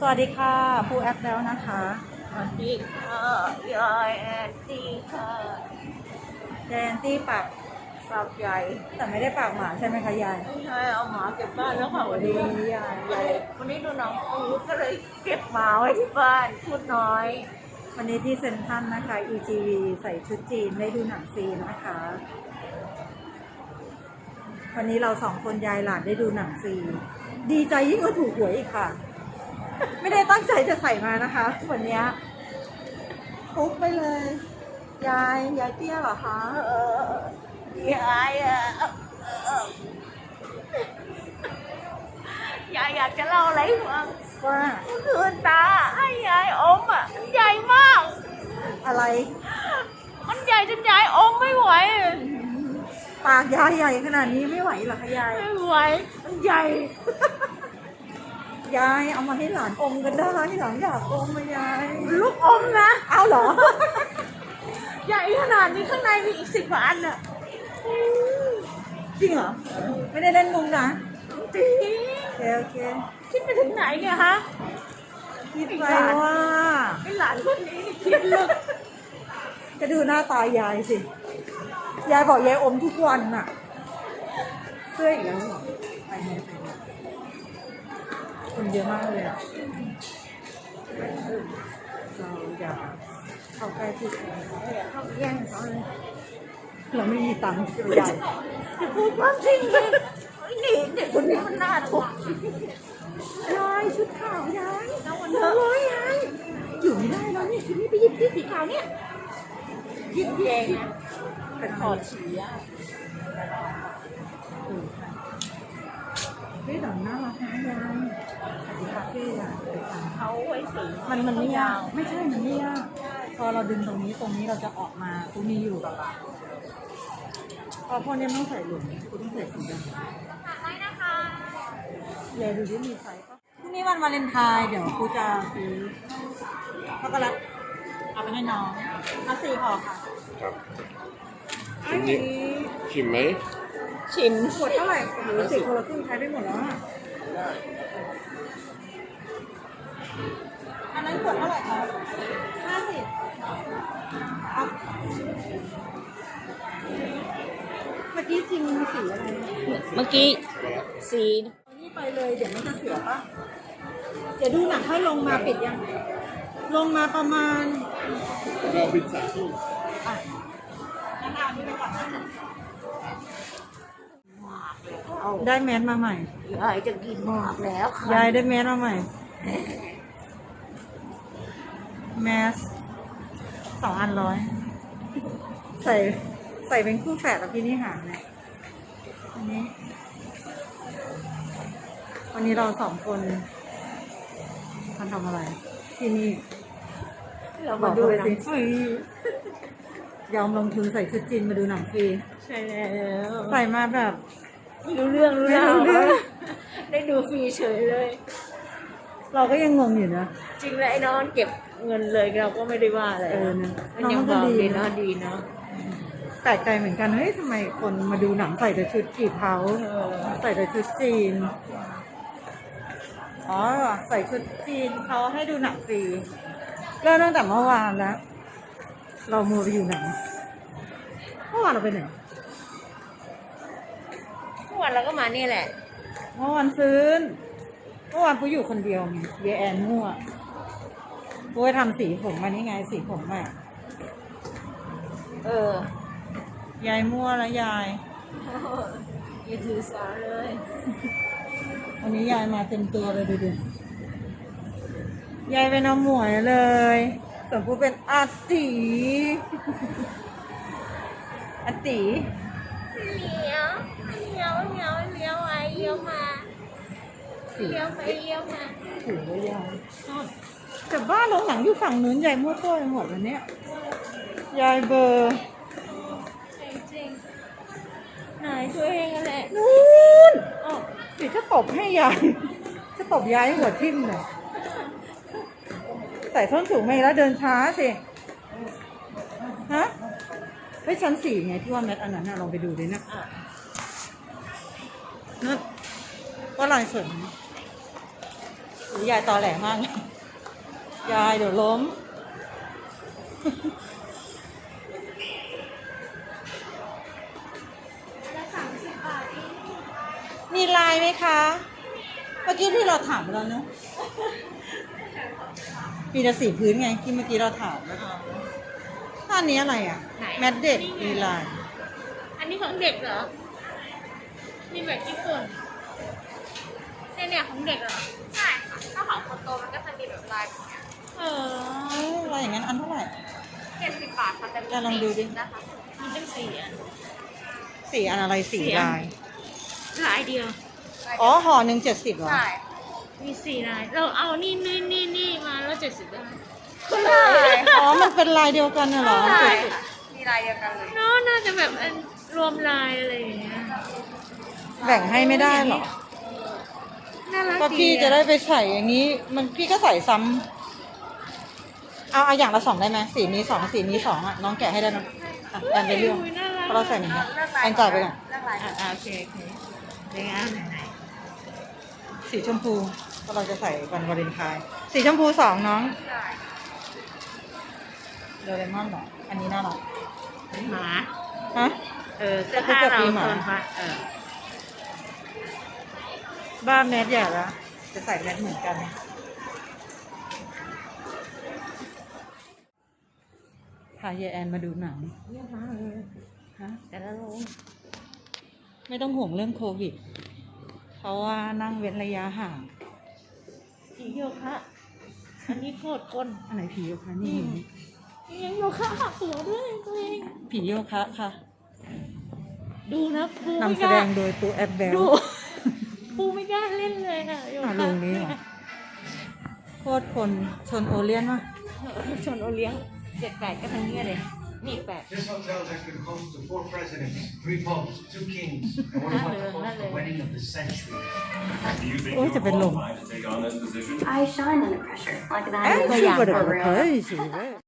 สวัสดีค่ะผู้แอปแล้วนะคะสวัสดีค่ะยายแอนตี้ค่ะยายแอนตี้ปากฝากใหญ่แต่ไม่ได้ปากหมาใช่ไหมคะยายไม่ใช่เอาหมาเก็บบ้านแล้วค่ะวันนี้ยายวันนี้ดูหนังปูก็เลยเก็บหมาไว้ที่บ้านพูดน้อยวันนี้ที่เซ็นทรัลนะคะ EGV ใส่ชุดจีนได้ดูหนังฟรีนะคะ วันนี้เราสองคนยายหลานได้ดูหนังฟรีดีใจยิ่งกว่าถูกหวยอีกค่ะ ไม่ได้ตั้งใจจะใส่มานะคะวันนี้ฟุกไปเลย ยายเตี้ยเหรอคะยายยายอยากจะเล่าอะไรให้ฟังว่าเมื่อคืนตาให้ยายอมใหญ่มากอะไรมันใหญ่จนยายอมไม่ไหวปากยายใหญ่ขนาดนี้ไม่ไหวเหรอคะยายไม่ไหวมันใหญ่ยายเอามาให้หลานอมกันได้หลานอยากอมมายายลูกอมนะเอาเหรอใหญ่ขนาดนี้ข้างในมีอีก10 กว่าอันอ่ะจริงเหรอ ไม่ได้เล่นมุงนะจริงโอเคคิดไปถึงไหนเนี่ยฮะคิดไปว่าไอ้หลานคนนี้นี่คิดลึกจะดูหน้าตายายสิ ยายบอกยายอมทุกวันน่ะเสื้ออีกแล้วเหรอไปไหนคนเยอะมากเลยอ่ะเราอยากเข้าใกล้ที่สุดเขาแย่งเขาเลยเราไม่มีตังค์จะไปจ่ายจะพูดความจริงเลยไอ้นี่เด็กคนนี้มันน่าทุกข์ยายชุดขาวยายแล้ววันเถอะยายอยู่ไม่ได้แล้วนี่ชุดนี้ไปหยิบที่สีขาวเนี่ยคิดเองนะเป็นถอดฉี่อ่ะเฮ้ยหนังน่ารักนะยายสวัสดีคาเฟ่ยายเขาไว้สีมันไม่ยากไม่ใช่มันไม่ยากพอเราดึงตรงนี้เราจะออกมาตรงนี้อยู่กับเราพอพวกนี้ไม่ต้องใส่หลุมคุณต้องใส่สีดำยายดูที่มีไซส์ปะพรุ่งนี้วันวาเลนไทน์เดี๋ยวครูจะซื้อช็อกโกแลตเอาไปให้น้องเอา4 ห่อค่ะครับชิมนี้ชิมไหมชิมขวดเท่าไหร่โอ้โห10 คนละครึ่งใช้ไปหมดแล้วอะอันนั้นขวดเท่าไหร่คะ50เอาเมื่อกี้จริงมีสีอะไรเมื่อกี้สีนี่ไปเลยเดี๋ยวมันจะเสียปะเดี๋ยวดูหนังค่อยลงมาปิดยัง ลงมาประมาณเราบินสายที่อ่ะงั้นเอาอันนี้ไปก่อนนะได้แมสมาใหม่ยายจะกินมากแล้วค่ะยายได้แมสมาใหม่ แมส2 อัน100ใส่เป็นคู่แฝดกับพี่นี่หาเนี่ยวันนี้เรา2 คนมันทำอะไร ที่นี่เรามาดูหนังฟรียอมลงทุนใส่ชุดจีนมาดูหนังฟรีใช่แล้วใส่มาแบบรู้เรื่องไม่รู้เรื่องได้ดูฟรีเฉยเลยเราก็ยังงงอยู่นะจริงแล้วไอ้น้องเก็บเงินเลยเราก็ไม่ได้ว่าอะไรนะมันยังบอกดีเนาะดีเนาะแปลกใจเหมือนกันเฮ้ยทำไมคนมาดูหนังใส่แต่ชุดกี่เผาใส่แต่ชุดจีนอ๋อใส่ชุดจีนเขาให้ดูหนังฟรีเริ่มตั้งแต่เมื่อวานแล้ว เรามัวไปอยู่ไหนเมื่อวานเราไปไหนทุกวันเราก็มานี่แหละเมื่อวานซื้อเมื่อวานกูอยู่คนเดียวไงเยแอนมั่วกูไปทำสีผมมานี่ไงสีผมอ่ะ ยายมั่วแล้วยายอย่าถือสาเลยวันนี้ยายมาเต็มตัวเลยดูดิยายเป็นน้ำหมวยเลยส่วนผู้เป็นอาตีอาตีเลี้ยวเลี้ยวเลี้ยวเลี้ยวไปเลี้ยวมาเลี้ยวไปเลี้ยวมาถือว่ายายแต่บ้านโรงหนังอยู่ฝั่งนู้นยายมั่วตัวไปหมดวันเนี้ยยายเบอร์จริงๆไหนตัวเองนั่นแหละนู้นอ๋อเดี๋ยวจะตบให้ยายจะตบยายให้หัวทิ่มเลยใส่ส้นสูงไม่แล้วเดินช้าสิฮะเฮ้ยชั้น4ไงที่ว่าแมทอันนั้นน่ะลองไปดูดินะนั่นว่าลายสวยไหมหรือยายตอแหลมากเลยยายเดี๋ยวล้ม มีลายไหมคะ เมื่อกี้ที่เราถามไปแล้วเนอะมีแต่สีพื้นไงที่เมื่อกี้เราถามท่านี้อะไรอ่ะไหนแมทเด็กมีลายอันนี้ของเด็กเหรอนี่แบบญี่ปุ่นเนี่ยของเด็กเหรอใช่ค่ะถ้าของคนโตมันก็จะมีแบบลายแบบเนี้ยลายอย่างนั้นอันเท่าไหร่ 70 บาทค่ะแต่มีจะลองดูดินะคะมีตั้ง4 อันสีอันอะไรสีสี่อันลายลายเดียวอ๋อห่อหนึ่ง70เหรอใช่มี4 ลายเราเอานี่มาแล้ว70ได้ไหมอ๋อมันเป็นลายเดียวกันน่ะเหรอใช่มีลายเดียวกันเลยเนาะน่าจะแบบอันรวมลายอะไรอย่างเงี้ยแบ่งให้ไม่ได้เหรอน่ารักก็พี่จะได้ไปใส่อย่างนี้ มันพี่ก็ใส่ซ้ำเอาอย่างละ2ได้ไหมสีนี้2สีนี้2อ่ะน้องแกะให้ได้ไหมอ่ะแอนไปเรื่องเพราะเราใส่เหมือนกันแอนจ่ายไปก่อนเลือกลายโอเคเดี๋ยวงั้นไหนสีชมพูเพราะเราจะใส่วันวาเลนไทน์สีชมพู2น้องได้โดเรมอนเหรออันนี้น่ารักหมาฮะเสื้อผ้าเราปีหมาโซนฟ้าบ้านแมทใหญ่ละจะใส่แมทเหมือนกันพายายแอนมาดูหนังเยอะมากเลยฮะแต่ละโรงไม่ต้องห่วงเรื่องโควิด เพราะว่านั่งเว้นระยะห่างผีโยคะอันนี้โคตรคนอันไหนผีโยคะนี่ยังโยคะหักหัวด้วยตัวเองผีโยคะค่ะดูนะปูนำไม่แสกดล้างโดยปูแอปแบลดูปูไม่กล้าเล่นเลยอ่ะโยอ่ะคะลงนี้เหรอ โคตรคนชนโอเลียนวะชนโอเลี้ยง7-8ก็ทั้งนี้เลยนี่8 This hotel has been host to 4 presidents, 3 popes, 2 kings, and we're about to host the wedding of the century. Do you think Ôi, you're chả phải lùn. qualified to take on this position? I shine under pressure like that. เอ้ย is ชื่อ for ประเดี๋ยว real. เฮ้ยสิเว้ย